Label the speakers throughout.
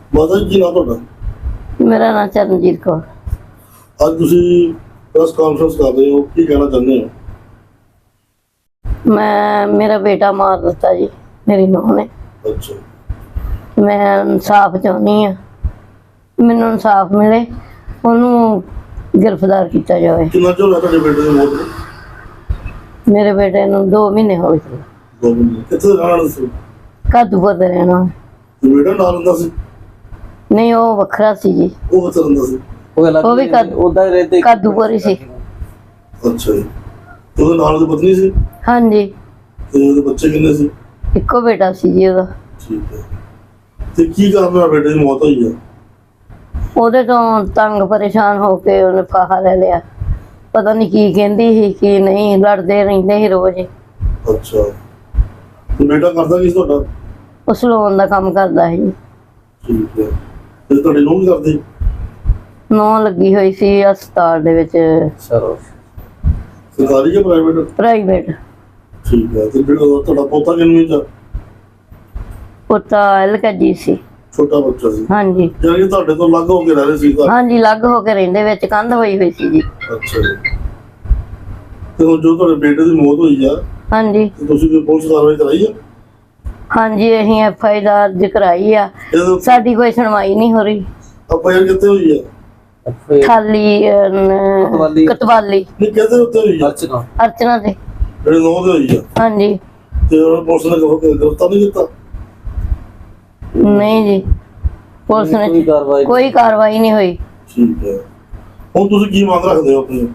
Speaker 1: ਮਾਤਾ ਜੀ ਕੀ ਨਾਮ ਤੁਹਾਡਾ?
Speaker 2: ਮੇਰਾ ਨਾਮ ਚਰਨਜੀਤ ਕੌਰ।
Speaker 1: ਅੱਜ ਤੁਸੀਂ ਪ੍ਰੈਸ ਕਾਨਫਰੰਸ ਕਰ ਰਹੇ ਹੋ, ਕੀ ਕਹਿਣਾ ਚਾਹੁੰਦੇ ਹੋ?
Speaker 2: ਮੇਰਾ ਬੇਟਾ ਮਾਰ ਦਿੱਤਾ ਜੀ ਮੇਰੀ ਨੂੰਹ ਨੇ।
Speaker 1: ਅੱਛਾ,
Speaker 2: ਮੈਂ ਇਨਸਾਫ ਚਾਹੁੰਦੀ ਆ, ਮੈਨੂੰ ਇਨਸਾਫ ਮਿਲੇ, ਉਹਨੂੰ ਗ੍ਰਿਫਤਾਰ ਕੀਤਾ ਜਾਵੇ।
Speaker 1: ਕਿੰਨਾ ਚਿਰ ਹੋਇਆ ਤੁਹਾਡੇ ਬੇਟੇ ਦੀ ਮੌਤ ਨੂੰ?
Speaker 2: ਮੇਰੇ ਬੇਟੇ ਨੂੰ 2 ਮਹੀਨੇ ਹੋ ਗਏ।
Speaker 1: 2 ਮਹੀਨੇ। ਕਿੱਥੇ ਰਹਿਣ ਵਾਲਾ ਸੀ?
Speaker 2: ਕਾਦੂਪੁਰ ਦੇ ਰਹਿਣਾ।
Speaker 1: ਤੇ ਬੇਟਾ ਨਾਲ ਰਹਿੰਦਾ ਸੀ?
Speaker 2: ਨਹੀਂ, ਉਹ ਵੱਖਰਾ ਸੀ ਜੀ।
Speaker 1: ਉਹ ਕਿੱਥੇ ਰਹਿੰਦਾ ਸੀ?
Speaker 2: ਉਹ ਵੀ ਕਾਦੂਪੁਰ ਹੀ ਸੀ।
Speaker 1: ਅੱਛਾ ਜੀ। ਤੇ ਉਹਦੇ ਨਾਲ ਦੀ ਪਤਨੀ ਸੀ?
Speaker 2: ਹਾਂਜੀ।
Speaker 1: ਤੇ ਉਹਦੇ ਬੱਚੇ ਕਿੰਨੇ ਸੀ?
Speaker 2: ਇੱਕੋ ਬੇਟਾ ਸੀ ਜੀ ਉਹਦਾ।
Speaker 1: ਠੀਕ ਹੈ। ਤੇ ਕੀ ਕਾਰਨ ਨਾਲ ਬੇਟੇ ਦੀ ਮੌਤ ਹੋਈ ਹੈ?
Speaker 2: ਉਹਦੇ ਤੋਂ ਤੰਗ ਪਰੇਸ਼ਾਨ ਹੋ ਕੇ ਉਹਨੇ ਫਾਹਾ ਲੈ ਲਿਆ। ਪਤਾ ਨਹੀਂ ਕੀ ਕਹਿੰਦੀ ਸੀ ਕੀ ਨਹੀਂ, ਲੜਦੇ ਰਹਿੰਦੇ ਸੀ ਰੋਜ਼।
Speaker 1: ਅੱਛਾ। ਤੇ ਬੇਟਾ ਕਰਦਾ ਕੀ ਸੀ ਤੁਹਾਡਾ?
Speaker 2: ਉਹ ਸਲੂਨ ਦਾ ਕੰਮ ਕਰਦਾ ਸੀ।
Speaker 1: ਠੀਕ ਹੈ। ਤੇ ਤੁਹਾਡੀ ਨੂੰਹ ਕੀ ਕਰਦੀ?
Speaker 2: ਨੂੰਹ ਲੱਗੀ ਹੋਈ ਸੀ ਹਸਪਤਾਲ ਦੇ ਵਿੱਚ।
Speaker 1: ਸਰਕਾਰੀ ਜਾਂ ਪ੍ਰਾਈਵੇਟ?
Speaker 2: ਪ੍ਰਾਈਵੇਟ।
Speaker 1: ਠੀਕ ਹੈ। ਤੇ ਜਿਹੜਾ ਤੁਹਾਡਾ ਪੋਤਾ ਕਿੰਨੀ ਚ?
Speaker 2: ਪੋਤਾ LKG ਸੀ।
Speaker 1: ਛੋਟਾ ਬੱਚਾ ਸੀ?
Speaker 2: ਹਾਂਜੀ।
Speaker 1: ਯਾਨੀ ਤੁਹਾਡੇ ਤੋਂ ਅਲੱਗ ਹੋ ਕੇ ਰਹਿ ਰਹੇ ਸੀ ਘਰ?
Speaker 2: ਹਾਂਜੀ, ਅਲੱਗ ਹੋ ਕੇ ਰਹਿੰਦੇ, ਵਿੱਚ ਕੰਧ ਹੋਈ ਹੋਈ ਸੀ ਜੀ।
Speaker 1: ਅੱਛਾ ਜੀ। ਤੇ ਹੁਣ ਜੋ ਤੁਹਾਡੇ ਬੇਟੇ ਦੀ ਮੌਤ ਹੋਈ ਆ,
Speaker 2: ਹਾਂਜੀ।
Speaker 1: ਤੇ ਤੁਸੀਂ ਕੋਈ ਪੁਲਿਸ ਕਾਰਵਾਈ ਕਰਾਈ ਆ?
Speaker 2: ਹਾਂਜੀ, ਅਸੀਂ FI ਦਰਜ ਕਰਾਈ ਆ, ਸਾਡੀ ਕੋਈ ਸੁਣਵਾਈ ਨਹੀਂ ਹੋ ਰਹੀ।
Speaker 1: FIR ਕਿੱਥੇ ਹੋਈ ਆ?
Speaker 2: ਖਾਲੀ ਕਤਵਾਲੀ।
Speaker 1: ਨਹੀਂ, ਕਿਹਦੇ ਉੱਤੇ ਹੋਈ ਆ?
Speaker 2: ਅਰਚਨਾ ਤੇ।
Speaker 1: ਜਿਹੜੇ 9 ਦੇ ਹੋਈ ਆ?
Speaker 2: ਹਾਂਜੀ।
Speaker 1: ਤੇ ਉਹਨਾਂ ਪੁਲਿਸ ਨੇ ਗ੍ਰਿਫਤਾਰ ਨਹੀਂ ਕੀਤਾ?
Speaker 2: ਨਹੀਂ ਜੀ, ਪੁਲਿਸ ਨੇ ਕੋਈ ਕਾਰਵਾਈ ਨਹੀਂ ਹੋਈ।
Speaker 1: ਠੀਕ ਹੈ। ਹੁਣ ਤੁਸੀਂ ਕੀ ਮੰਗ ਰੱਖਦੇ ਹੋ ਆਪਣੀ?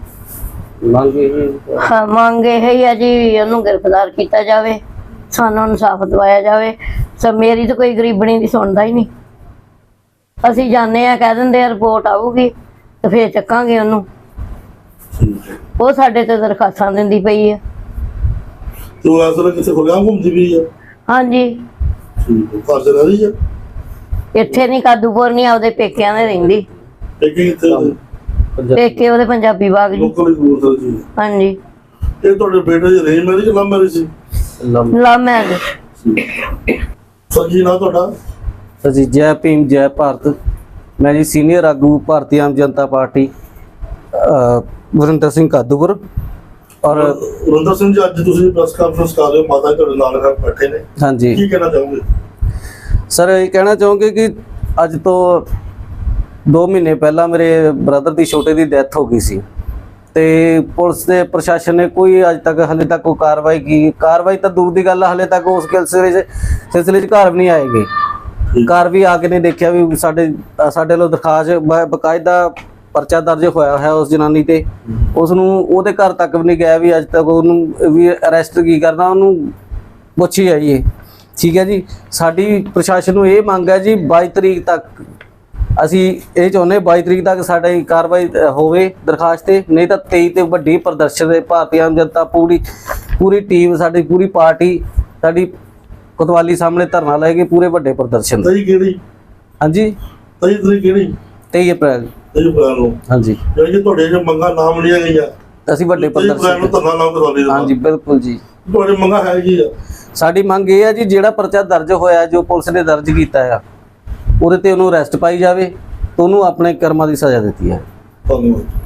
Speaker 2: ਮੰਗ ਇਹ ਹੀ ਆ ਜੀ, ਉਹਨੂੰ ਗ੍ਰਿਫਤਾਰ ਕੀਤਾ ਜਾਵੇ, ਸਾਨੂੰ ਇਨਸਾਫ ਦਿਵਾਇਆ ਜਾਵੇ। ਮੇਰੀ ਤਾਂ ਕੋਈ ਗਰੀਬਣੀ ਦੀ ਸੁਣਦਾ ਹੀ ਨਹੀਂ। ਅਸੀਂ ਜਾਂਦੇ ਆ, ਕਹਿ ਦਿੰਦੇ ਆ ਰਿਪੋਰਟ ਆਊਗੀ ਤੇ ਫੇਰ ਚੱਕਾਂਗੇ ਉਹਨੂੰ। ਉਹ ਸਾਡੇ ਤੇ ਦਰਖਾਸਤਾਂ ਦਿੰਦੀ ਪਈ ਆ।
Speaker 1: ਤੇ ਉਹ ਅਸਲ ਕਿੱਥੇ ਖੁੱਲਿਆ ਘੁੰਮਦੀ ਪਈ ਆ?
Speaker 2: ਹਾਂਜੀ।
Speaker 1: ਠੀਕ ਹੈ। ਘਰ ਚ ਰਹਿ ਰਹੀ ਆ?
Speaker 2: ਇੱਥੇ ਨਹੀਂ, ਕਾਦੂਪੁਰ ਨਹੀਂ, ਆਪਦੇ ਪੇਕਿਆਂ ਦੇ ਰਹਿੰਦੀ।
Speaker 1: ਪੇਕੇ ਕਿੱਥੇ?
Speaker 2: ਪੇਕੇ ਉਹਦੇ ਪੰਜਾਬੀ ਬਾਗ ਜੀ।
Speaker 1: ਲੋਕਲ ਕਬੂਤਰ ਜੀ।
Speaker 2: ਹਾਂਜੀ।
Speaker 1: ਇਹ ਤੁਹਾਡੇ ਬੇਟੇ ਦੀ ਅਰੇਂਜ ਮੈਰਿਜ ਲਵ ਮੈਰਿਜ ਸੀ?
Speaker 2: Love marriage.
Speaker 1: ਸਰ ਜੀ ਨਾ ਤੁਹਾਡਾ?
Speaker 3: ਸਰ ਜੀ, ਜੈ ਭੀਮ ਜੈ ਭਾਰਤ। ਮੈਂ ਜੀ ਸੀਨੀਅਰ ਆਗੂ ਭਾਰਤੀ ਆਮ ਜਨਤਾ ਪਾਰਟੀ ਵਰਿੰਦਰ ਸਿੰਘ ਕਾਦੂਪੁਰ। ਔਰ
Speaker 1: ਵਰਿੰਦਰ ਸਿੰਘ ਜੀ, ਅੱਜ ਤੁਸੀਂ ਪ੍ਰੈਸ ਕਾਨਫਰੰਸ ਕਰ ਰਹੇ ਹੋ, ਮਾਤਾ ਜੀ ਤੁਹਾਡੇ ਨਾਲ ਬੈਠੇ ਨੇ।
Speaker 3: ਹਾਂਜੀ।
Speaker 1: ਕੀ ਕਹਿਣਾ ਚਾਹੋਗੇ?
Speaker 3: ਸਰ ਇਹ ਕਹਿਣਾ ਚਾਹੋਗੇ ਕਿ ਅੱਜ ਤੋਂ 2 ਮਹੀਨੇ ਪਹਿਲਾਂ ਮੇਰੇ ਬ੍ਰਦਰ ਦੀ ਛੋਟੇ ਦੀ ਡੈਥ ਹੋ ਗਈ ਸੀ ਤੇ ਪੁਲਿਸ ਤੇ ਪ੍ਰਸ਼ਾਸਨ ਨੇ ਕੋਈ ਅੱਜ ਤੱਕ ਹਲੇ ਤੱਕ ਕੋਈ ਕਾਰਵਾਈ ਤਾਂ ਦੂਰ ਦੀ ਗੱਲ ਹੈ, ਹਲੇ ਤੱਕ ਉਸ ਸਿਲਸਿਲੇ 'ਚ ਘਰ ਵੀ ਨਹੀਂ ਆਏਗੇ। ਘਰ ਵੀ ਆ ਕੇ ਨਹੀਂ ਦੇਖਿਆ ਵੀ ਸਾਡੇ ਵੱਲੋਂ ਦਰਖਾਸਤ ਬਕਾਇਦਾ ਪਰਚਾ ਦਰਜ ਹੋਇਆ ਹੈ ਉਸ ਜਨਾਨੀ ਤੇ, ਉਸ ਨੂੰ ਉਹਦੇ ਘਰ ਤੱਕ ਵੀ ਨਹੀਂ ਗਿਆ ਵੀ ਅੱਜ ਤੱਕ ਉਹਨੂੰ ਵੀ ਅਰੈਸਟ ਕੀ ਕਰਨਾ, ਉਹਨੂੰ ਪੁੱਛੀ ਜਾਈਏ। ਠੀਕ ਹੈ ਜੀ। ਸਾਡੀ ਪ੍ਰਸ਼ਾਸਨ ਨੂੰ ਇਹ ਮੰਗ ਹੈ ਜੀ, 22 ਤਰੀਕ ਤੱਕ ਅਸੀਂ ਇਹ ਚਾਹੁੰਦੇ 22 ਤਰੀਕ ਤੱਕ ਸਾਡੀ ਕਾਰਵਾਈ ਹੋਵੇ ਦਰਖਾਸਤ ਤੇ, ਨਹੀਂ ਤਾਂ 23 ਤੇ ਵੱਡੀ ਪ੍ਰਦਰਸ਼ਨ ਦੇ ਭਾਰਤੀ ਆਮ ਜਨਤਾ ਪੂਰੀ ਟੀਮ, ਸਾਡੀ ਪੂਰੀ ਪਾਰਟੀ ਸਾਡੀ ਕੋਤਵਾਲੀ ਸਾਹਮਣੇ ਧਰਨਾ ਲਾਏਗੀ, ਪੂਰੇ ਵੱਡੇ ਪ੍ਰਦਰਸ਼ਨ।
Speaker 1: ਤਰੀਕ ਕਿਹੜੀ?
Speaker 3: ਹਾਂਜੀ,
Speaker 1: 23 ਤਰੀਕ ਕਿਹੜੀ?
Speaker 3: 23 ਅਪ੍ਰੈਲ।
Speaker 1: 23 ਅਪ੍ਰੈਲ ਨੂੰ? ਹਾਂਜੀ। ਯਾਨੀ ਕਿ ਤੁਹਾਡੇ ਜੋ ਮੰਗਾਂ ਨਾਮ ਲਿਆ ਗਈਆਂ,
Speaker 3: ਅਸੀਂ ਵੱਡੇ ਪ੍ਰਦਰਸ਼ਨ
Speaker 1: ਨੂੰ ਧਰਨਾ ਲਾਉਂ ਕੋਤਵਾਲੀ ਦਾ?
Speaker 3: ਹਾਂਜੀ, ਬਿਲਕੁਲ ਜੀ।
Speaker 1: ਤੁਹਾਡੀ ਮੰਗਾਂ ਹੈ ਕੀ ਆ?
Speaker 3: ਸਾਡੀ ਮੰਗ ਇਹ ਹੈ ਜੀ, ਜਿਹੜਾ ਪਰਚਾ ਦਰਜ ਹੋਇਆ, ਜੋ ਪੁਲਿਸ ਨੇ ਦਰਜ ਕੀਤਾ ਆ, ਉਹਦੇ ਤੇ ਉਹਨੂੰ ਅਰੈਸਟ ਪਾਈ ਜਾਵੇ ਤੇ ਉਹਨੂੰ ਆਪਣੇ ਕਰਮਾਂ ਦੀ ਸਜ਼ਾ ਦਿੱਤੀ ਹੈ।
Speaker 1: ਧੰਨਵਾਦ।